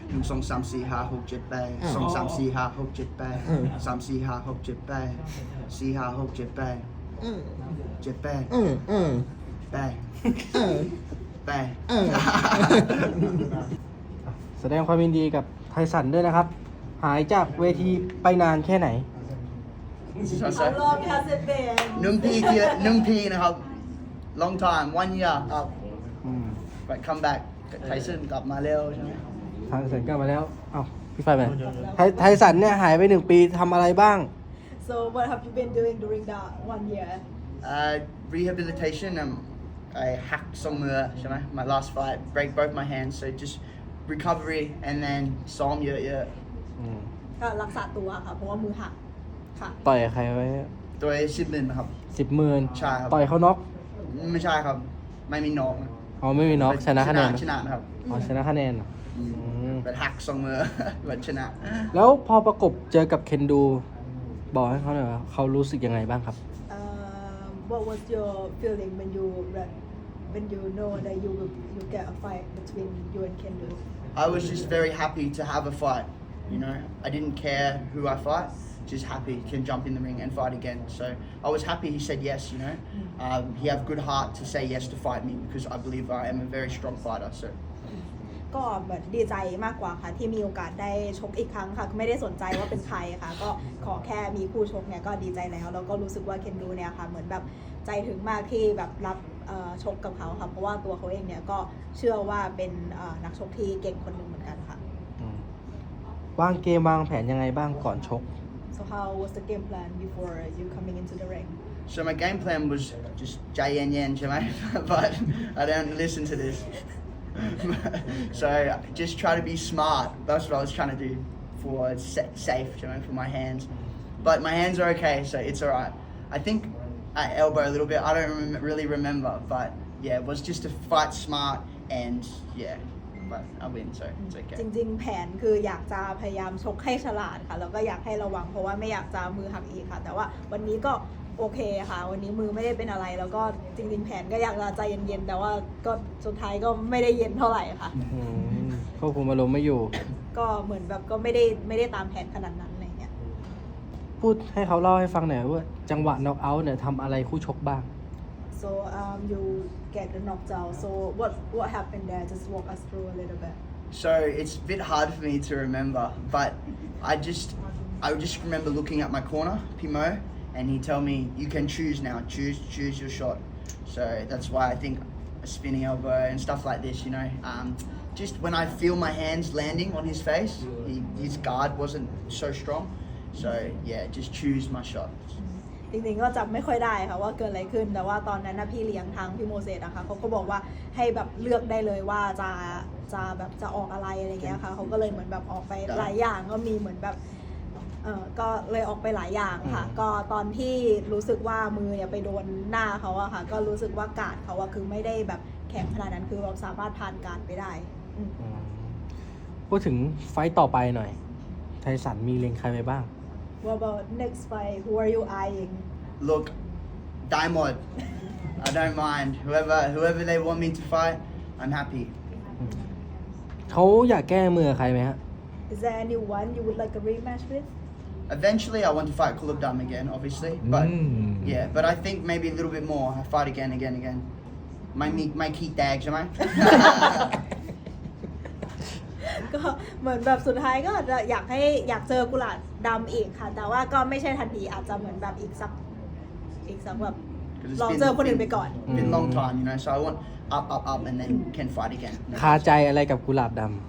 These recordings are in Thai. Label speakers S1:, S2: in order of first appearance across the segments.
S1: 1 2 3 4 5 6 7 8 2 3 4 5 6 7 8 3 4 5 6 7 8 4 5 6 7 8 7 8
S2: แสดงความยินดีกับไทสันด้วยนะครับ หายจากเวทีไปนานแค่ไหน
S3: How long has it been
S1: 1 ปีนะครับ long time 1 year ครับ but come back ไทสันกลับมาเร็วใช่ไหม
S2: ไทสันกลับมาแล้ว เอ้าพี่ไฟไปไทสันเนี่ยหายไป1 ปีทำอะไรบ้าง
S3: So what have you been doing during that 1 year
S1: rehabilitation I hacked some my last fight break both my hands so just recovery and then ซ้อมเยอะ
S3: ก็รักษาตัวค่ะ เพราะว่ามือหักค่ะ
S2: ต่อยใครไว้
S1: ๆตัว10,000ครับ
S2: 10,000
S1: ใช่ครับ
S2: ต่อยเขาน็อก
S1: ไม่ใช่ครับไม่มีน็อกนะ
S2: อ๋อไม่มีน็อกชนะคะแนน
S1: ชนะครับ
S2: อ๋อชนะคะแนนเหรอ
S1: but hack สองมือ but ชนะ
S2: แล้วพอประกบเจอกับเคนดู บอกให้เขาหน่อยว่าเขารู้สึกยังไงบ้างครับ
S3: What was your feeling when you know that you get a fight between you and Kendo
S1: I was just very happy to have a fight I didn't care who I fight just happy can jump in the ring and fight again so I was happy he said yes he have good heart to say yes to fight me because I believe I am a very strong fighter so
S3: ก็เหมือนดีใจมากกว่าค่ะที่มีโอกาสได้ชกอีกครั้งค่ะไม่ได้สนใจว่าเป็นใครค่ะก็ขอแค่มีคู่ชกเนี่ยก็ดีใจแล้วก็รู้สึกว่าเคนดูเนี่ยค่ะเหมือนแบบใจถึงมากที่แบบรับชกกับเขาค่ะเพราะว่าตัวเขาเองเนี่ยก็เชื่อว่าเป็นนักชกที่เก่งคนหนึ่งเหมือนกันค่ะ
S2: วางเกมวางแผนยังไงบ้างก่อนชก
S3: So how was the game plan before you coming into the ring
S1: so my game plan was just ใจเย็นๆใช่ไหม but I don't listen to this so just try to be smart that's what I was trying to do for safe for my hands but my hands are okay so it's alright I think I elbow a little bit I don't really remember but yeah it was just to fight smart and yeah but I win so it's okay
S3: จริงๆแผนคืออยากจะพยายามชกให้ฉลาดค่ะแล้วก็อยากให้ระวังเพราะว่าไม่อยากจะมือหักอีกค่ะแต่ว่าวันนี้ก็โอเคค่ะวันนี้มือไม่ได้เป็นอะไรแล้วก็จริงๆแผนก็อยากจะใจเย็นๆแต่ว่าก็สุดท้ายก็ไม่ได้เย็นเท่าไหร่ค่ะ
S2: ควบคุมอารมณ์ไม่อยู่
S3: ก็เหมือนแบบก็ไม่ได้ตามแผนขนาดนั้นอะไรเงี้ย
S2: พูดให้เขาเล่าให้ฟังหน่อยว่าจังหวะน็อกเอาท์เนี่ยทำอะไรคู่ชกบ้าง
S3: so you get the knocked out so what happened there just walk us through a little bit
S1: so it's a bit hard for me to remember but I just remember looking at my corner Pimo and he tell me you can choose now choose your shot so that's why I think a spinning elbow and stuff like this just when I feel my hands landing on his face his guard wasn't so strong so yeah just choose my shot
S3: จริงๆก็จำไม่ค่อยได้ค่ะว่าเกิดอะไรขึ้นแต่ว่าตอนนั้นนะพี่เลี้ยงทางพี่โมเสสนะคะเขาก็บอกว่าให้แบบเลือกได้เลยว่าจะแบบจะออกอะไรเงี้ยค่ะเขาก็เลยเหมือนแบบออกไปหลายอย่างก็มีเหมือนแบบก็เลยออกไปหลายอย่างค่ะก็ตอนที่รู้สึกว่ามือเนี่ยไปโดนหน้าเขาอะค่ะก็รู้สึกว่าการ์ดเขาอะคือไม่ได้แบบแข็งขนาดนั้นคือเราสามารถผ่านการ์ดไปได้
S2: พูดถึงไฟต์ต่อไปหน่อยไทสันมีเล็งใครไปบ้าง
S3: What about next fight who are you eyeing
S1: look Diamond I don't mind whoever they want me to fight I'm happy
S2: เขาอยากแก้มือใครไหมฮะ
S3: Is there anyone you would like a rematch with
S1: Eventually, I want to fight Kulabdam again, obviously. But yeah, but I think maybe a little bit more. I fight again. My key tags, am I?
S3: ก็เหมือนแบบสุดท้ายก็จะอยากเจอกุหลาบดำอีกค่ะ แต่ว่าก็ไม่ใช่ทันทีอาจจะเหมือนแบบอีกสักแบบลองเจอคนอื่นไปก่อน
S1: Been a long time, so I want up, and then can fight again.
S2: คาใจอะไรกับกุหลาบดำ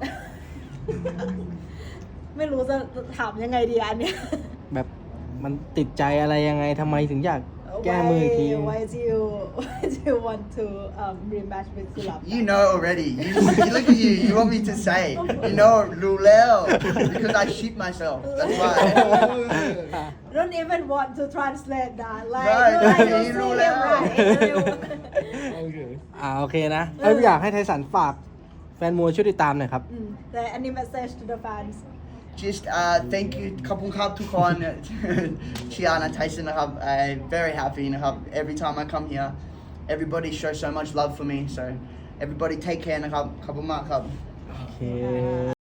S3: ไม่รู้จะถามยังไงดีอันเนี้ย
S2: แบบมันติดใจอะไรยังไงทำไมถึงอยากแก้มือที
S3: Why do you want to rematch with กุหลาบ
S1: You know already. You look at you. You want me to say? You know, Lulel, because I shit myself. That's why.
S3: Don't even want to translate that like
S1: Right,
S3: you
S1: you
S3: see
S1: know
S3: him
S1: that.
S3: right
S2: โอเคนะอยากให้ไทสันฝากแฟนมวยช่วยติดตามหน่อยครับ
S3: แต่ any message to the fans
S1: Just thank you ขอบคุณครับทุกคนเชียร์นะ Tyson นะครับ I'm very happy นะครับ every time I come here everybody shows so much love for me so everybody take care นะครับขอบคุณมากครับ
S2: โอเค